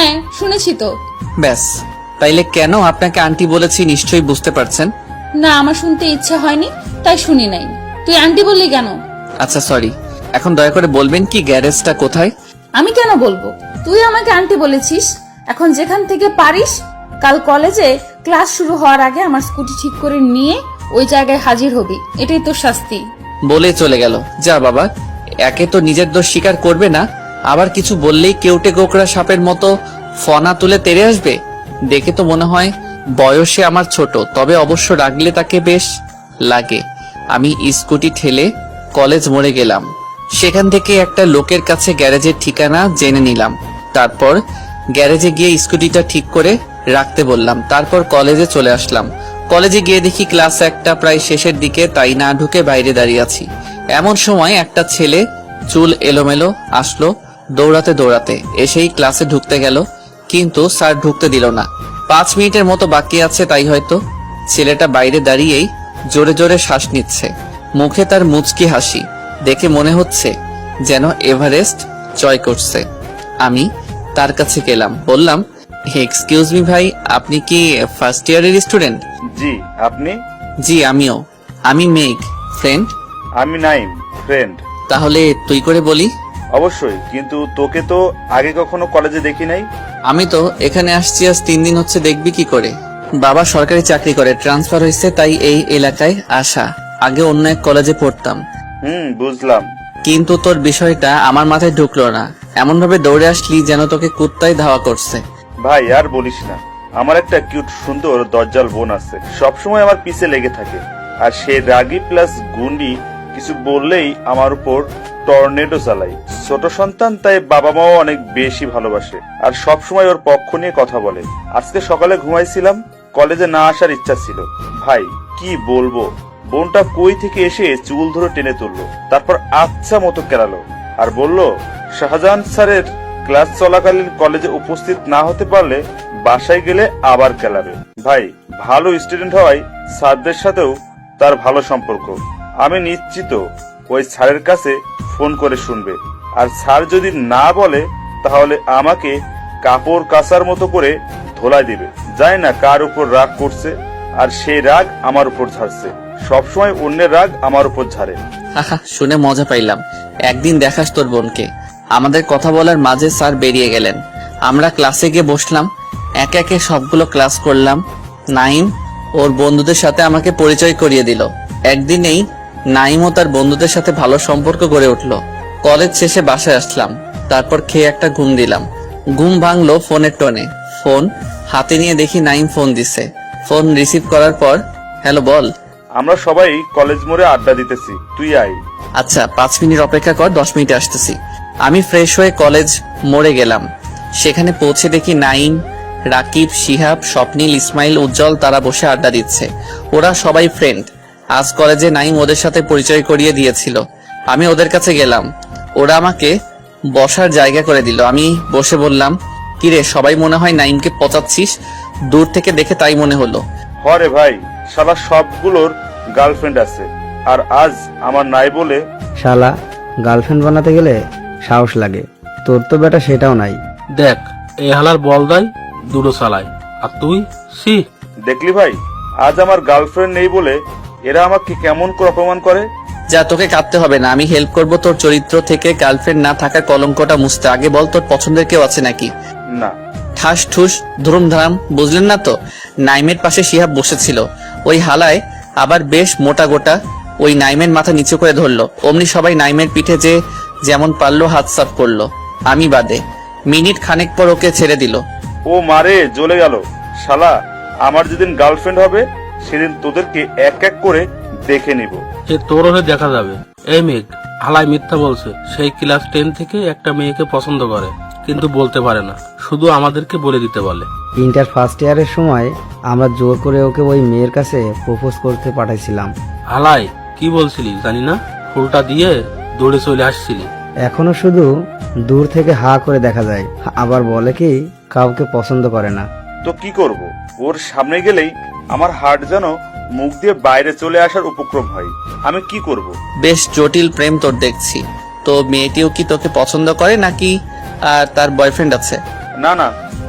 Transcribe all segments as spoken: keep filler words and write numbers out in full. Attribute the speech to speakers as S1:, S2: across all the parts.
S1: হ্যাঁ শুনেছি তো।
S2: ব্যাস, তাইলে কেন আপনাকে আন্টি বলেছি নিশ্চয়ই বুঝতে পারছেন।
S1: না, আমার শুনতে ইচ্ছা হয়নি, তাই শুনি নাই। তুই আন্টি বললি কেন?
S2: আচ্ছা সরি, এখন দয়া করে বলবেন কি গ্যারেজটা কোথায়?
S1: আমি কেন বলবো? তুই আমাকে আন্টি বলেছিস। এখন যেখান থেকে পারিস কাল কলেজে ক্লাস শুরু হওয়ার আগে আমার স্কুটি ঠিক করে নিয়ে ওই জায়গায় হাজির হবি, এটাই তোর শাস্তি।
S2: বলে চলে গেল। যা বাবা, একে তো নিজের দোষ স্বীকার করবে না, আবার কিছু বললেই কেউটে গোকরা সাপের মতো ফনা তুলে তেড়ে আসবে। দেখে তো মনে হয় বয়সে আমার ছোট, তবে অবশ্য রাগলে তাকে বেশ লাগে। আমি স্কুটি ঠেলে কলেজ মোড়ে গেলাম। সেখান থেকে একটা লোকের কাছে গ্যারেজের ঠিকানা জেনে নিলাম। তারপর গ্যারেজে গিয়ে স্কুটিটা ঠিক করে রাখতে বললাম। তারপর কলেজে চলে আসলাম। কলেজে গিয়ে দেখি ক্লাস একটা প্রায় শেষের দিকে, তাই না ঢুকে বাইরে দাঁড়িয়ে আছি। এমন সময় একটা ছেলে চুল এলোমেলো আসলো দৌড়াতে দৌড়াতে, এসেই ক্লাসে ঢুকতে গেল, কিন্তু স্যার ঢুকতে দিল না। পাঁচ মিনিটের মতো বাকি আছে, তাই হয়তো। ছেলেটা বাইরে দাঁড়িয়েই জোরে জোরে শ্বাস নিচ্ছে, মুখে তার মুচকি হাসি দেখে মনে হচ্ছে যেন এভারেস্ট জয় করছে। আমি তার কাছে গেলাম, বললাম, এক্সকিউজ মি ভাই, আপনি কি ফার্স্ট ইয়ারের স্টুডেন্ট?
S3: জি, আপনি?
S2: জি আমিও। আমি মেঘ, ফ্রেন্ড।
S3: আমি নাইম, ফ্রেন্ড।
S2: তাহলে তুই করে বলি।
S3: অবশ্যই, কিন্তু তোকে তো আগে কখনো কলেজে দেখি নাই।
S2: আমি তো এখানে আসছি আজ তিন দিন হচ্ছে, দেখবি কি করে? বাবা সরকারি চাকরি করে, ট্রান্সফার হয়েছে, তাই এই এলাকায় আসা। আগে অন্য এক কলেজে পড়তাম।
S3: হুম, বুঝলাম।
S2: কিন্তু তোর বিষয়টা আমার মাথায় ঢুকলো না, এমন ভাবে দৌড়ে আসলি যেন তোকে কুত্তায় ধাওয়া করছে।
S3: ভাই আর বলিস না, আমার একটা কিউট সুন্দর দজ্জাল বোন আছে, সবসময় আমার পিছে লেগে থাকে। আর সে রাগী প্লাস গুন্ডি, কিছু বললেই আমার উপর টর্নেডো চালাই। ছোট সন্তান, তাই বাবা মাও অনেক বেশি ভালোবাসে আর সবসময় ওর পক্ষ নিয়ে কথা বলে। আজকে সকালে ঘুমাইছিলাম, কলেজে না আসার ইচ্ছা ছিল। ভাই কি বলবো, বোনটা কই থেকে এসে চুল ধরে টেনে তুললো, তারপর আচ্ছা মতো কেলালো আর বলল শাহজাহান স্যারের ক্লাস চলাকালীন কলেজে উপস্থিত না হতে পারলে বাসায় গেলে আবার কেলাবে। ভাই ভালো স্টুডেন্ট হওয়ায় স্যারদের সাথেও তার ভালো সম্পর্ক। আমি নিশ্চিত ওই স্যারের কাছে ফোন করে শুনবে, আর স্যার যদি না বলে তাহলে আমাকে কাপড় কাচার মতো করে ধোলাই দিবে। জানি না কার উপর রাগ করছে, আর সেই রাগ আমার উপর ঝাড়ছে। সবসময় অন্যের রাগ আমার উপর ঝাড়ে।
S2: হাহা, শুনে মজা পাইলাম। একদিন দেখাস তোর বোনকে। আমাদের কথা বলার মাঝে স্যার বেরিয়ে গেলেন। আমরা ক্লাসে গিয়ে বসলাম, একে একে সবগুলো ক্লাস করলাম। নাইম ওর বন্ধুদের সাথে আমাকে পরিচয় করিয়ে দিল। একদিনেই নাইম ও তার বন্ধুদের সাথে ভালো সম্পর্ক গড়ে উঠলো। কলেজ শেষে বাসায় আসলাম, তারপর খেয়ে একটা ঘুম দিলাম। ঘুম ভাঙলো ফোনের টোনে। ফোন হাতে নিয়ে দেখি নাইম ফোন দিছে। ফোন রিসিভ করার পর, হ্যালো বল।
S3: আমরা সবাই কলেজ মোড়ে আড্ডা দিতেছি, তুই আয়।
S2: আচ্ছা, পাঁচ মিনিট অপেক্ষা কর, দশ মিনিটে আসতেছি। আমি ফ্রেশ হয়ে কলেজ মোড়ে গেলাম। সেখানে পৌঁছে দেখি নাইম, রাকিব, শিহাব, স্বপ্নিল, ইসমাইল, উজ্জ্বল তারা বসে আড্ডা দিচ্ছে। ওরা সবাই ফ্রেন্ড। আজ কলেজে নাইম ওদের সাথে পরিচয় করিয়ে দিয়েছিল। আমি ওদের কাছে গেলাম, ওরা আমাকে বসার জায়গা করে দিল। আমি বসে বললাম, কিরে সবাই মনে হয় নাইমকে পচাচ্ছিস? দূর থেকে দেখে তাই মনে হলো।
S3: হরে ভাই, শালা সবগুলোর গার্লফ্রেন্ড আছে, আর আজ আমার নাই বলে।
S4: শালা গার্লফ্রেন্ড বানাতে গেলে সাহস লাগে, তোর তো বেটা সেটাও নাই।
S5: দেখ, এই হালার বল দেয় দুটো চালায়, আর তুই সি।
S3: দেখলি ভাই, আজ আমার গার্লফ্রেন্ড নেই বলে এরা আমাকে কেমন করে অপমান করে।
S2: যা, তোকে কাঁদতে হবে না, আমি হেল্প করব তোর চরিত্র থেকে গার্লফ্রেন্ড না থাকা কলঙ্কটা মুছতে। আগে বল, তোর পছন্দের কেউ আছে নাকি?
S3: না।
S2: ঠাস ঠুস ধুম ধাম, বুঝলেন না তো? নাইমের পাশে শিহাব বসেছিল। ওই হালায় আবার বেশ মোটা গোটা। ওই নাইমের মাথা নিচু করে ধরলো, অমনি সবাই নাইমের পিঠে যে যেমন পারলো হাত সাফ করলো, আমি বাদে। মিনিট খানেক পর ওকে ছেড়ে দিল।
S3: ও মারে জ্বলে গেল। শালা আমার যেদিন গার্লফ্রেন্ড হবে সেদিন তোদেরকে এক এক করে দেখে নিব।
S5: সে তোর হয়ে দেখা যাবে। এই মেঘ, হালাই মিথ্যা বলছে। সেই ক্লাস টেন থেকে একটা মেয়েকে পছন্দ করে, কিন্তু বলতে পারে না, শুধু আমাদেরকে বলে দিতে বলে।
S4: ইন্টার ফার্স্ট ইয়ারের সময় আমরা জোর করে ওকে ওই মেয়ের কাছে প্রপোজ করতে পাঠাইছিলাম।
S5: হালাই কি বলছিলি জানি না, ফুলটা দিয়ে দৌড়ে চলে আসছিলি।
S4: এখনো শুধু দূর থেকে হা করে দেখা যায়, আবার বলে কি কাউকে পছন্দ করে না।
S3: তো কি করব, ওর সামনে গেলেই আমার হার্ট যেন মুখ দিয়ে বাইরে চলে আসার উপক্রম হয়। আমি কি করব?
S2: বেশ জটিল প্রেম তোর দেখছি। তো মেয়েটিও কি তোকে পছন্দ করে নাকি আর তার বয়ফ্রেন্ড আছে?
S3: না না,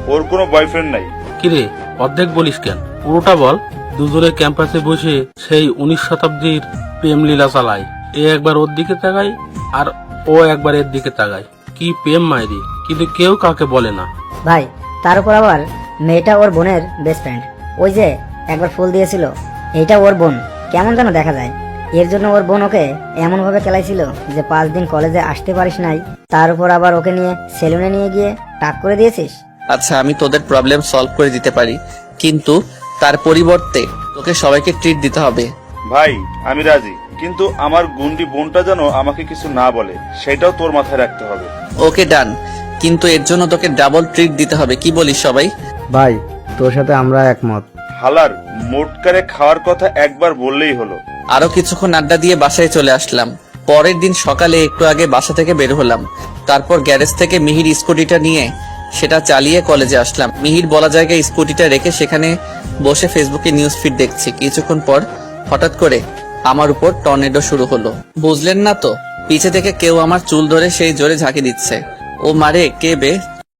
S3: ওর কোনো বয়ফ্রেন্ড নাই।
S5: কিরে অর্ধেক বলিস কেন, পুরোটা বল। দুজনে ক্যাম্পাসে বসে সেই উনিশ শতাব্দীর প্রেম লীলা চালায়। এ একবার ওর দিকে তাকায় আর ও একবার এর দিকে তাকায়। কি প্রেম মাইরি, কিন্তু কেউ কাকে বলে না।
S6: ভাই তার উপর আবার মেয়েটা ওর বোনের বেস্ট ফ্রেন্ড। ওই যে একবার ফুল দিয়েছিল, এইটা ওর বোন। কেমন যেন দেখা যায়। এর জন্য ওর বোন ওকে এমন ভাবে খেলাইছিল যে পাঁচ দিন কলেজে আসতে পারিস নাই। তার উপর আবার ওকে নিয়ে সেলুনে নিয়ে গিয়ে টাক করে দিয়েছিস।
S2: আচ্ছা আমি তোদের প্রবলেম সলভ করে দিতে পারি, কিন্তু তার পরিবর্তে তোকে সবাইকে ট্রিট দিতে হবে।
S3: ভাই আমি রাজি, কিন্তু আমার গুন্ডি বোনটা যেন আমাকে কিছু না বলে, সেটাও তোর মাথায় রাখতে হবে।
S2: ওকে ডান, কিন্তু এর জন্য তোকে ডাবল ট্রিট দিতে হবে। কি বলিস সবাই?
S4: ভাই তোর সাথে আমরা একমত।
S3: হালার মোটকারে খাওয়ার কথা একবার বললেই হলো।
S2: আরো কিছুক্ষণ আড্ডা দিয়ে বাসায় চলে আসলাম। পরের দিন সকালে একটু আগে বাসা থেকে বের হলাম। তারপর গ্যারেজ থেকে মিহির স্কুটিটা নিয়ে সেটা চালিয়ে কলেজে আসলাম। মিহির বলা জায়গায় স্কুটিটা রেখে সেখানে বসে ফেসবুকে নিউজ ফিড দেখছি। কিছুক্ষণ পর হঠাৎ করে আমার উপর টর্নেডো শুরু হলো। বুঝলেন না তো? পিছে থেকে কেউ আমার চুল ধরে সেই জোরে ঝাঁকি দিচ্ছে। ও মারে কে বে,